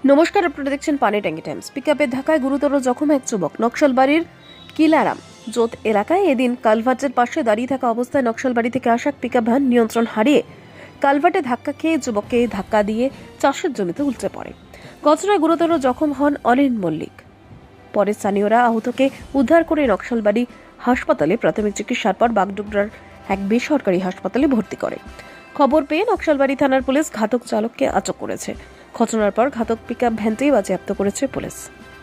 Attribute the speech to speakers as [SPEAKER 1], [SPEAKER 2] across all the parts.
[SPEAKER 1] নমস্কার, আপনারা দেখছেন পানি ট্যাঙ্কি টাইমস। পিকআপের ধাক্কায় গুরুতর জখম এক যুবক। নকশালবাড়ির কিলারাম জোত এলাকায় এদিন কালভার্টের পাশে দাঁড়িয়ে থাকা অবস্থায় নকশালবাড়ি থেকে আসা পিকআপ ভ্যান নিয়ন্ত্রণ হারিয়ে কালভার্টে ধাক্কা খেয়ে যুবককে ধাক্কা দিয়ে চাষের জমিতে উল্টে পড়ে। ঘটনায় গুরুতর জখম হন অনিল মল্লিক। পরে স্থানীয়রা আহতকে উদ্ধার করে নকশালবাড়ি হাসপাতালে প্রাথমিক চিকিৎসার পর বাগডোগরার এক বেসরকারি হাসপাতালে ভর্তি করে। খবর পেয়ে নকশালবাড়ি থানার পুলিশ ঘাতক চালককে আটক করেছে। ঘটনার পর ঘাতক পিকআপ ভ্যানটি বাজেয়াপ্ত করেছে পুলিশ।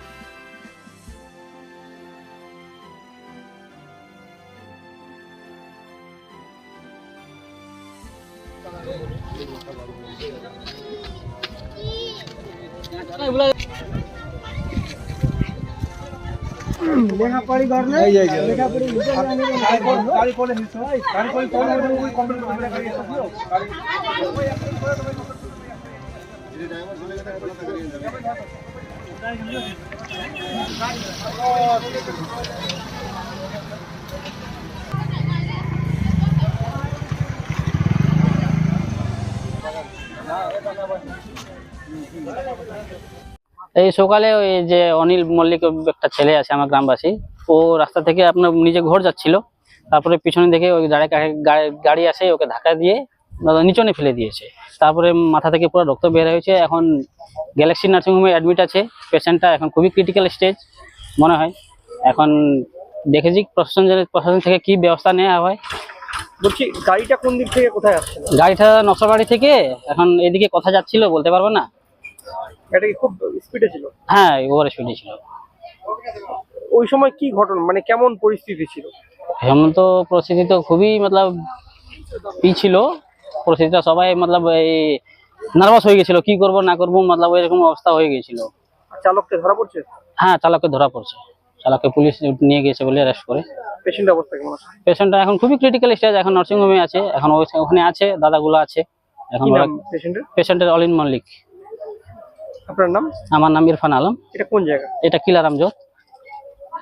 [SPEAKER 2] লেখাপড়ি করলে লেখাপড়ি গাড়ি পড়ে নিছ গাড়ি পড়ে চলে ওই কমপ্লিট করে গাড়ি আসিও
[SPEAKER 3] এই সকালে ওই যে অনিল মল্লিক একটা ছেলে আছে আমার গ্রামবাসী, ও রাস্তা থেকে আপনার নিজে ঘর যাচ্ছিল, তারপরে পিছনে দেখে ওই গাড়ি আসে ওকে ধাক্কা দিয়ে নিচনে ফেলে দিয়েছে। তারপরে মাথা থেকে পুরো রক্ত বের হয়েছে। এখন গ্যালাক্সি নার্সিংহোমে অ্যাডমিট আছে পেশেন্টটা। এখন খুবই ক্রিটিক্যাল স্টেজ মনে হয়। এখন দেখেছি প্রশাসন থেকে কি ব্যবস্থা নেওয়া হয়।
[SPEAKER 2] বলছি গাড়িটা কোন দিক থেকে কোথায় আসছে?
[SPEAKER 3] গাড়িটা নকশালবাড়ি থেকে এখন এদিকে কোথায় যাচ্ছিল বলতে পারবো না।
[SPEAKER 2] এটা কি খুব স্পিডে ছিল?
[SPEAKER 3] হ্যাঁ, ওভার স্পিডে ছিল।
[SPEAKER 2] ওই সময় কি ঘটনা, মানে কেমন পরিস্থিতি ছিল?
[SPEAKER 3] এমন তো পরিস্থিতি তো খুবই ছিল পরিস্থিতিটা, সবাই এই নার্ভাস হয়ে গেছিল, কি করব না করবো এরকম অবস্থা হয়ে গেছিল।
[SPEAKER 2] চালককে ধরা পড়ছে?
[SPEAKER 3] হ্যাঁ, চালককে ধরা পড়ছে। চালককে পুলিশ নিয়ে গেছে বলে অ্যারেস্ট করে।
[SPEAKER 2] পেশেন্টের অবস্থা কেমন আছে?
[SPEAKER 3] পেশেন্টটা এখন খুবই ক্রিটিক্যাল স্টেজ, এখন নার্সিং হোমে আছে। এখন ওখানে আছে, দাদাগুলো আছে এখন। পেশেন্টের অনিল মল্লিক।
[SPEAKER 2] আপনার নাম?
[SPEAKER 3] আমার নাম ইরফান আলম।
[SPEAKER 2] এটা কোন জায়গা?
[SPEAKER 3] এটা কিলারাম জোত।